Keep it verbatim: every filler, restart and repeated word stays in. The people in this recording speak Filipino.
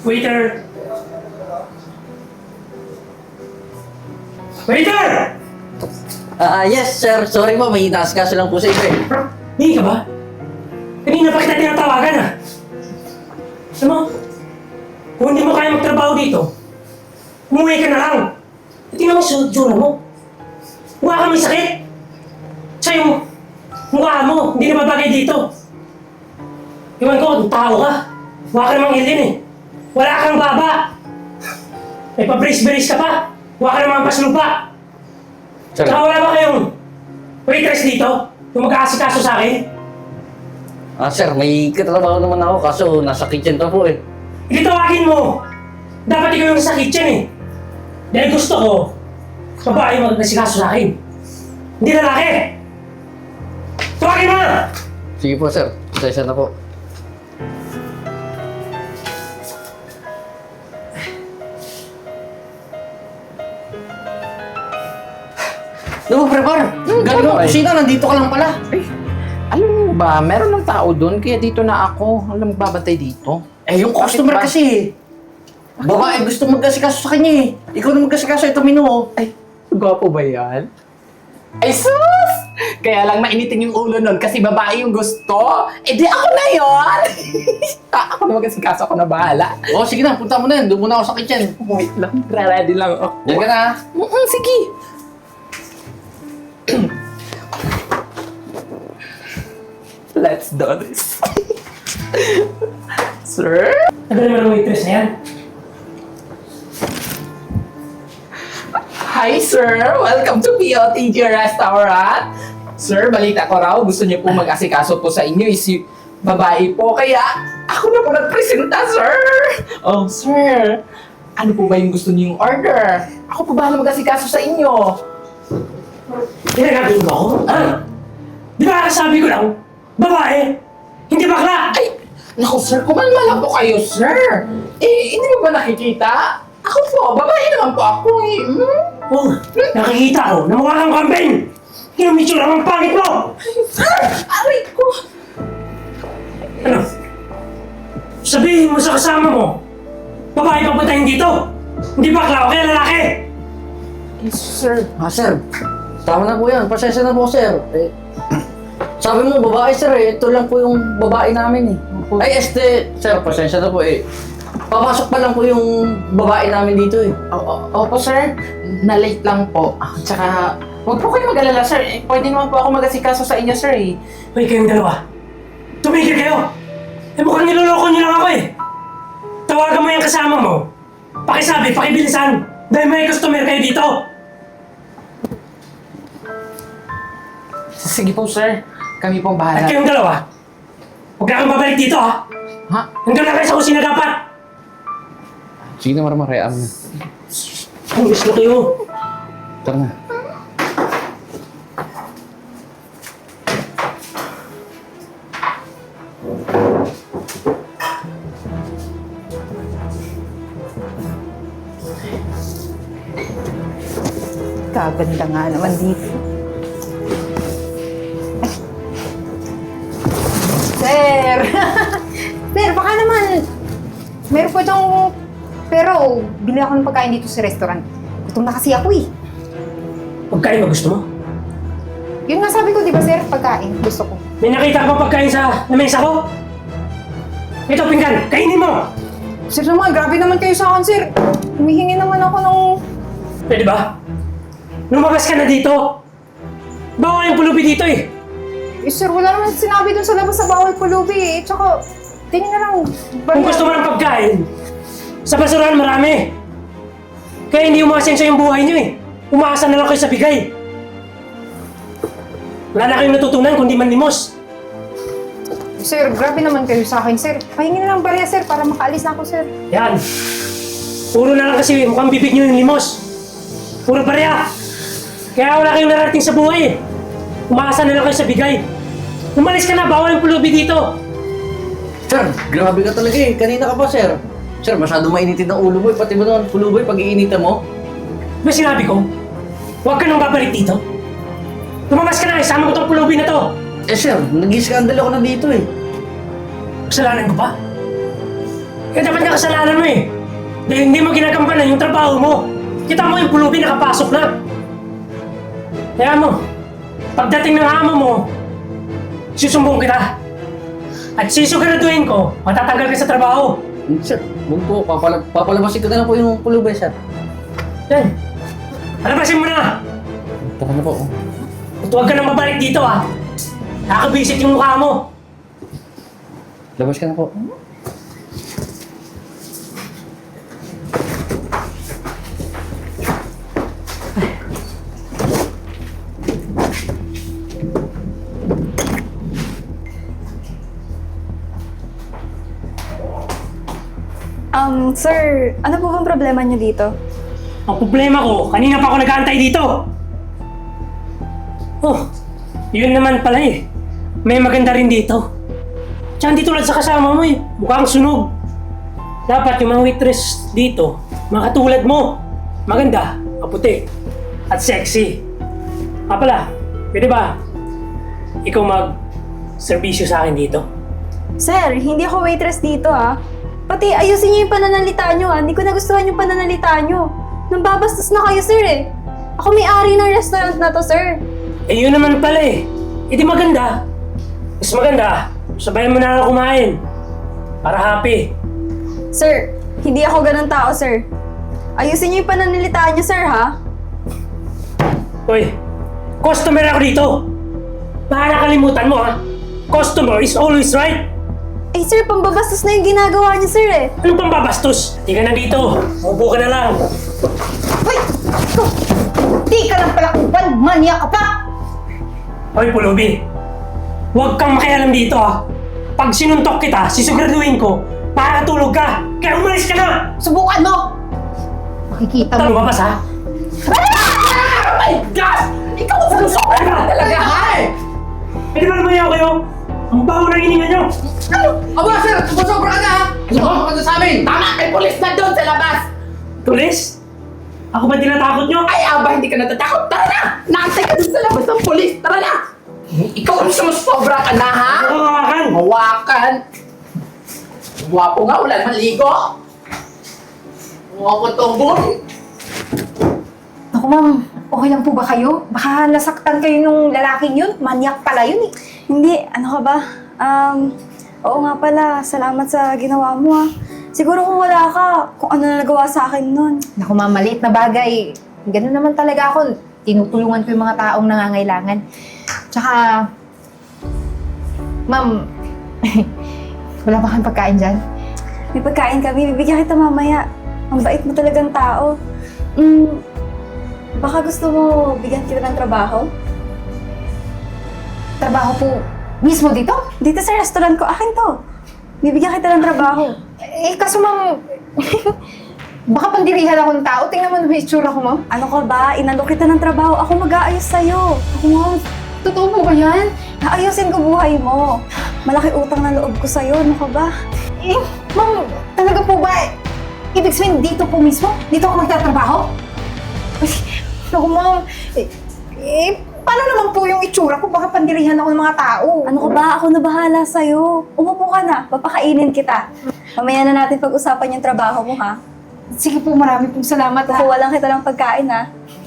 Waiter! Waiter! Ah, yes, sir. Sorry po, may inaasikaso lang po sa inyo eh. Hindi ka ba? Kanina pa kita tinatawagan ah. Alam mo, kung hindi mo kaya magtrabaho dito, umuwi ka na lang. At tingnan mo yung tsura mo. Mukha ka may sakit. Tsaka yung mukha mo, hindi na babagay dito. Iwan ko, kung tao ka. Mukha ka namang alien eh. Wala kang baba. May pa-brace-brace ka pa. Mukha ka namang paslupa. Sir. Tsaka wala ba kayong waitress dito? Yung mag-aasikaso sa akin? Ah, sir, may katrabaho naman ako kaso nasa kitchen pa po eh. Hindi tawagin mo! Dapat ikaw yung sa kitchen eh. Dahil gusto ko, babae mag-asikaso sa akin. Hindi lalaki! Tawagin mo na! Sige po, sir. Pasensya na po. Ano, prepar? Galing mo kusina, nandito ka lang pala. Ay, alam mo ba, meron ng tao doon, kaya dito na ako. Alam mo, babantay dito. Eh, yung Bakit customer ba? kasi eh. Babae gusto mag-asikaso sa kanya eh. Ikaw na mag-asikaso, ito menu oh. Ay, gwapo ba yan? Ay, sus! Kaya lang mainitin yung ulo nun kasi babae yung gusto. Eh di ako na yon. Ah, ako na mag-asikaso, ako na bahala. Oh, sige na, punta mo na yan. Doon muna ako sa kitchen. Wait lang, ready lang ako. Diyan ka na. Mm-mm, sige. Let's do this. Sir? Tagal naman ang waitress na yan. Hi, sir! Welcome to P O T G Restaurant. Sir, balita ko raw, gusto niyo po mag-asikaso po sa inyo is y- babae po, kaya ako na po nagpresenta, sir! Oh, sir! Ano po ba yung gusto niyong order? Ako po ba mag-asikaso sa inyo? Tinagagin mo ako? Ha? Di ba sabi ko lang, babae, hindi bakla! Ay, naku, sir, kumalma lang po kayo, sir! Eh, hindi mo ba nakikita? Ako po, babae naman po ako eh. Hmm? Oh, nakikita ko na mukha kang kambing! Kinumitsyo lang ang pangit mo! Sir! Aray ko! Ano? Sabihin mo sa kasama mo, babae pa patayin dito! Hindi bakla o kaya lalaki! Eh, sir, Ah, sir. Tama na po yan. Pasensya na po, sir. Eh, sabi mo, babae, sir eh. Ito lang po yung babae namin eh. Ay, este, sir, pasensya na po eh. Papasok pa lang po yung babae namin dito eh. O- o- Opo, sir. Na-late lang po. Ah, tsaka, huwag po kayo mag-alala, sir. Eh, pwede naman po ako mag-asikaso sa inyo, sir, eh. Hoy, kayong dalawa, tumigil kayo! Eh mukhang niloloko niyo lang ako eh! Tawagan mo yung kasama mo. Pakisabi, pakibilisan! Dahil may customer kayo dito! Sige po, sir. Kami pong At bahala. kayong dalawa, huwag na kang babalik dito ha! Ha? Hanggang na kayo sa kusina dapat! Sige na, Maramar. Hayaan mo. Ang gusto kayo! Tara na. Kaganda nga naman dito. Sir! Sir, baka naman, meron po itong, pero bili ako ng pagkain dito sa restaurant. Gutom na kasi ako eh. Pagkain ba gusto mo? Yun nga sabi ko, di ba sir, pagkain, gusto ko. May nakita ka ba pagkain sa lamesa ko? Ito, pinggan! Kainin mo! Sir naman, grabe naman kayo sa akin, sir. Humihingi naman ako ng... Pwede ba? Lumabas ka na dito! Bawal yung pulubi dito eh! Eh, sir, wala naman sinabi dun sa labas sa bawal pulubi eh. Tsaka, tingin na lang. Kung gusto mo ng pagkain, sa basurahan marami. Kaya hindi umasenso yung buhay niyo eh. Umaasa na lang kayo sa bigay. Wala na kayong natutunan kundi manlimos. Sir, grabe naman kayo sa akin, sir. Pahingi na lang barya, sir, para makaalis na ako, sir. Yan. Puro na lang kasi mukhang bibig niyo yung limos. Puro barya. Kaya wala kayong narating sa buhay eh. Umaasa na lang kayo sa bigay. Umalis ka na, bawal yung pulubi dito. Sir, grabe ka talaga eh. Kanina ka pa, sir. Sir, masyado mainitin ang ulo mo eh. Pati mo naman, puluboy, pag iinitan mo. Ba sinabi ko? Huwag ka nang babalik dito. Lumabas ka na, isama ko tong pulubi na to. Eh, sir, nag-i-scandal ako na dito eh. Kasalanan ko pa? Kaya dapat na kasalanan mo eh. Dahil hindi mo ginagampanan yung trabaho mo. Kita mo yung pulubi nakapasok na. Kaya mo, pagdating ng amo mo, susumbong kita. At sisiguraduhin ko, matatanggal ka sa trabaho. Hmm, Sir, huwag po. Papala papalabasin ko na lang po yung pulubay, sir. Yan. Alabasin mo na! Ito ka na po. oh. At huwag ka nang mabalik dito ah. Nakakabisit yung mukha mo. Labas ka na po. Um, sir, ano po bang problema niyo dito? Ang problema ko, kanina pa ako nag-aantay dito. Oh, yun naman pala eh. May maganda rin dito. Tsaka hindi tulad sa kasama mo eh. Mukhang sunog. Dapat yung mga waitress dito, mga katulad mo. Maganda, maputi, at sexy. Ah pala, pwede ba ikaw mag-servisyo sa akin dito? Sir, hindi ako waitress dito ah. Pati ayusin niyo yung pananalita niyo ah. Hindi ko nagustuhan yung pananalita niyo. Nambabastos na kayo, sir eh. Ako may-ari ng restaurant na to, sir. Eh yun naman pala eh. Eh di maganda. Mas maganda, sabayan mo na ako kumain. Para happy. Sir, hindi ako ganun tao, sir. Ayusin niyo yung pananalita niyo, sir, ha? Hoy, customer ako dito. Baka nakalimutan mo ha. Customer is always right. Eh, sir, pambabastos na yung ginagawa niyo, sir eh. Anong pambabastos? Di ka na dito. Upo ka na lang. Hoy! Ikaw! Di ka lang pala kupal! Manya ka pa! Hoy, Pulubi. Huwag kang makialam dito ha. Pag sinuntok kita, sisiguraduhin ko, makakatulog ka. Kaya umalis ka na. Subukan mo! Makikita Tara, mo. lumabas ha. Oh my gosh! Ikaw ang sumusobra ka talaga, ha? Pwede ba lumayaw kayo? Ang baho ng hininga nyo. Aba, sir! Sumusobra ka na, ha? Sumusobra ka na sa amin! Tama! May polis na doon sa labas! Tulis? Ako ba tinatakot nyo? Ay, aba, hindi ka natatakot. Tara na! Naantay ka doon sa labas ng polis. Tara na! Ikaw ang sumusobra ka na, ha? Ako kawakan. Hawakan! Guwapo nga, wala naman ligo. Guwapo tumbon. Naku ma'am, okay lang po ba kayo? Baka nasaktan kayo nung lalaking yun. Manyak pala yun eh. Hindi, ano ka ba? Um, oo nga pala, salamat sa ginawa mo ah. Siguro kung wala ka, kung ano na nagawa sa akin nun. Naku ma'am, maliit na bagay. Ganun naman talaga ako. Tinutulungan ko yung mga taong nangangailangan. Tsaka, ma'am, wala ba kang pagkain dyan? May pagkain kami, bibigyan kita mamaya. Ang bait mo talagang tao. Mm, baka gusto mo bigyan kita ng trabaho? Trabaho po mismo dito? Dito sa restaurant ko, akin to. Bibigyan kita ng trabaho. Eh, kaso ma'am, baka pandirihan ako ng tao. Tingnan mo na yung itsura ko, ma'am. Ano ka ba? Inalok kita ng trabaho. Ako mag-aayos sa'yo. Ako, ma'am, totoo po ba yan? Aayusin ko buhay mo. Malaki utang na loob ko sa'yo. Ano ka ba? Eh, ma'am, talaga po ba? Ibig sabihin, dito po mismo? Dito ako magtatrabaho? Ay, naku, ma'am. Eh, eh, paano naman po yung itsura ko? Baka pandirihan ako ng mga tao. Ano ka ba? Ako na bahala sa'yo. Umupo ka na. Papakainin kita. Mamaya na natin pag-usapan yung trabaho mo, ha? Sige po, marami pong salamat ha. Kukuha lang kita ng pagkain, ha?